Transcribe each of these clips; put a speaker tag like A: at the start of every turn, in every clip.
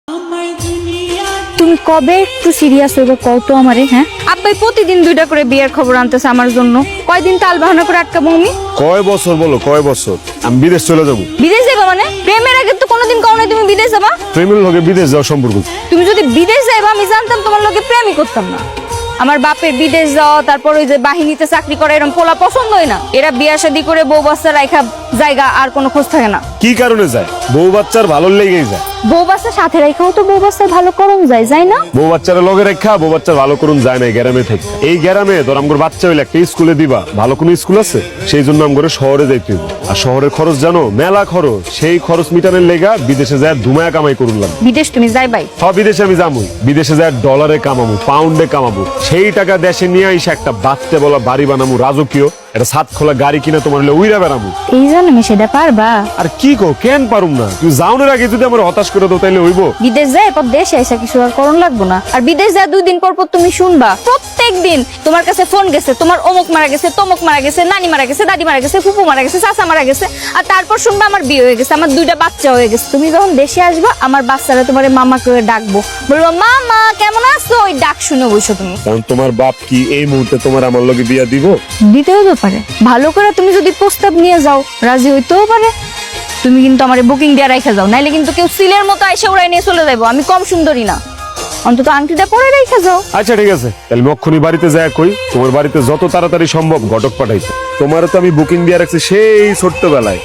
A: তুমি কবে একটু সিরিয়াস হইবে কও তো আমারে? হ্যাঁ, আব্বাই প্রতিদিন 2টা করে বিয়ের খবর আনতেছে আমার জন্য। কয়দিন তাল বাহানা করে আটকাবো আমি?
B: কয় বছর বলো, কয় বছর? আমি বিদেশ চলে যাবো।
A: বিদেশ যাবা মানে? প্রেমের আগে তো কোনোদিন কও নাই তুমি বিদেশ যাবা।
B: প্রেমের লগে বিদেশ যাওয়ার সম্পর্ক কি?
A: তুমি যদি বিদেশ যাইবা আমি জানতাম তোমার লগে প্রেমই করতাম না। আমার বাপের বিদেশ যাওয়া, তারপর ওই যে বাহিনীতে চাকরি করা, এরকম পোলা পছন্দই না। এরা বিয়া শাদী করে বউ বাচ্চা রাখা জায়গা আর কোনো খোঁজ থাকে না।
B: কি কারণে যায়? বউ বাচ্চার ভালো লেগেই যায়।
A: বউ বাচ্চা সাথে রাখাও তো বউ বাচ্চা ভালো করুন যায়, যায় না?
B: বউ বাচ্চারা লগে রেখা বউ বাচ্চার ভালো করুন যায় না গ্রামে থেকে। এই গ্রামে ধর আমগোর বাচ্চা হইলে একটা স্কুলে দিবা, ভালো কোনো স্কুল আছে? সেই জন্য আমগোরে শহরে যাইতে হইব। আর শহরের খরচ জানো, মেলা খরচ। সেই খরচ মিটানোর লেগা বিদেশে যায় ধুমায়া কামাই করুন লাগবে।
A: বিদেশ তুমি যাইবাই?
B: হ্যাঁ, বিদেশে আমি যাবো। বিদেশে যায় ডলারে কামাবো, পাউন্ডে কামাবো। সেই টাকা দেশে নিয়ে এসে একটা বাচ্চা বলা বাড়ি বানাবো, রাজকীয় একটা ছাদ খোলা গাড়ি কিনা তোমার হলে উইরা বেড়াবো।
A: এই জন্য আমি সেটা পারবা?
B: আর কি কো, কেন পারুম না? তুমি যাওনের আগে যদি আমার হতাশ করে দাও তাইলে হইব?
A: বিদেশ যায় এরপর দেশে এসে কিছু আর করণ লাগবো না। আর বিদেশ যায় 2 দিন পর পর তুমি শুনবা প্রত্যেক দিন তোমার কাছে ফোন গেছে, তোমার অমুক মারা গেছে, তমুক মারা গেছে, নানি মারা গেছে, দাদি মারা গেছে, ফুপু মারা গেছে, চাচা মারা গেছে। আর তারপর শুনবা আমার বিয়ে হয়ে গেছে, আমার 2টা বাচ্চা হয়ে গেছে। তুমি যখন দেশে আসবা আমার বাচ্চারা তোমার মামা করে ডাকবো, বলবো মামা কেমন আছো, ওই ডাক শুনে বসো তুমি।
B: কারণ তোমার বাপ কি এই মুহূর্তে তোমার আমার লগে বিয়া দিব?
A: দিতেও তো পারে, ভালো করে তুমি যদি প্রস্তাব নিয়ে যাও রাজি হইতেও পারে। তুমি কিন্তু আমার বুকিং দিয়ে রেখে যাও, নাইলে কিন্তু কেউ সিলের মতো আইসা উড়াই নিয়ে চলে যাবো। আমি কম সুন্দরী না, অন্তত আংটিটা পরে রেখে যাও।
B: আচ্ছা ঠিক আছে, তাহলে মক্ষণি বাড়িতে যায় কই তোমার বাড়িতে যত তাড়াতাড়ি সম্ভব ঘটক পাঠাইছে। তোমারও তো আমি বুকিং দিয়ে রাখছি সেই ছোট্টবেলায়।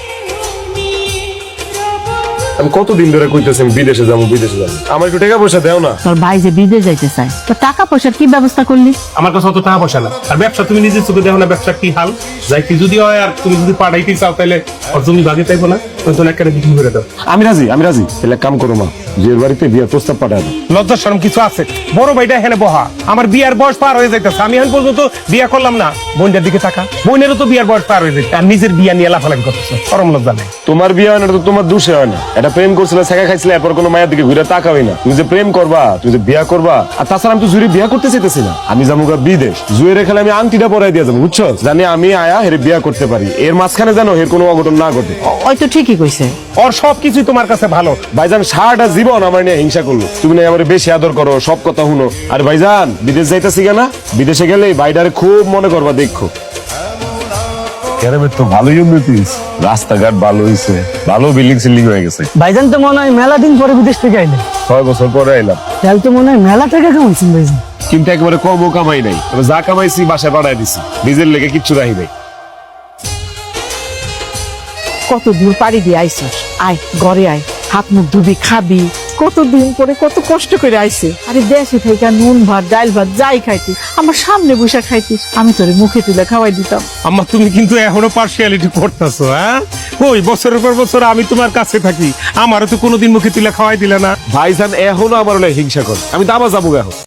B: আমি কতদিন ধরে কইতেছি আমি বিদেশে যাবো, বিদেশে যাবো। আমার একটু টাকা পয়সা দেও না?
C: তোর ভাই যে বিদেশ যাইতে চায়, তো টাকা পয়সার কি ব্যবস্থা করলি?
D: আমার কাছে অত টাকা পয়সা না। আর ব্যবসা তুমি নিজের চোখে দেখো না, ব্যবসা কি হাল। যাইতে যদি হয় আর তুমি যদি পাঠাইতে চাও তাহলে আর তুমি বাগে চাইবো না, তুমি একটা বিক্রি করে দাও।
B: আমি রাজি, আমি রাজি। তাহলে এক কাম করো মা, বিয়ের বাড়িতে বিয়ের প্রস্তাব পাঠায় দাও।
D: লজ্জা শরম কিছু আছে? বড় ভাইটা এখানে বহা, আমার বিয়ার বয়স পার হয়ে যাইতেছে, আমি এখন পর্যন্ত বিয়া করলাম না। বোনটার দিকে টাকা, বোনেরও তো বিয়ার বয়স পার হয়ে যাচ্ছে, আর নিজের বিয়া নিয়ে লাফালাফি করতেছে, শরম লজ্জা নেই?
B: তোমার বিয়ে হয় না তো তোমার দোষে হয় না। এটা প্রেম করছিলে, শেখা খাইছিলে, এরপর কোনো মায়ের দিকে ঘুরে তাকাবি না। তুমি যে প্রেম করবা, তুমি যে বিয়া করবা। আর তাছাড়া আমি তো জুড়ে বিয়া করতে চাইতেছি না। আমি যাবো বিদেশ, জুয়ে রেখে আমি আংটিটা পরাই দিয়ে যাবো, বুঝছো? জানি আমি আয়া হেরে বিয়া করতে পারি। এর মাঝখানে জানো এর কোনো অঘটন না ঘটে।
C: ওই তো ঠিকই কইছে।
D: ওর সবকিছুই তোমার কাছে ভালো।
B: ভাইজান সারাটা জীবন আমার নিয়ে হিংসা করলো। তুমি না আমার বেশি আদর করো, সব কথা শুনো। আর ভাইজান বিদেশ যাইতেছি কেনা, বিদেশে গেলে ভাইডারে খুব মনে করবা, দেখো গ্রামের তো ভালোই উন্নতি, রাস্তাঘাট ভালো হয়েছে, ভালো বিল্ডিং সিল্ডিং হয়ে গেছে।
C: ভাইজান তো মনে হয় মেলা দিন পরে বিদেশ থেকে আইলে।
B: 6 বছর পরে আইলাম।
C: তাহলে তো মনে হয় মেলা টাকা কামাইছেন ভাইজান।
B: কিন্তু একেবারে কমও কামাই নাই, তবে যা কামাইছি বাসায় পাঠাই দিছি, নিজের লেগে কিচ্ছু রাখি নাই।
C: কত দূর পাড়ি দিয়ে আইছিস, আয় ঘরে আয়, হাত মুখ ধুবি, খাবি। কতদিন পরে কত কষ্ট করে আইছে। আরে দেশে থেকে নুন ভাত ডাল ভাত যাই খাইতিস, আমার সামনে বসে খাইতিস, আমি তোরে মুখে তুলে খাওয়াই দিতাম।
D: আম্মা তুমি কিন্তু এখনো পার্সিয়ালিটি করতেছো, হ্যাঁ? ওই বছরের পর বছর আমি তোমার কাছে থাকি, আমারও তো কোনোদিন মুখে তুলে খাওয়াই দিলে না।
B: ভাইজান এখনো আমার হলে হিংসা করে। আমি দাবা যাবো এখন।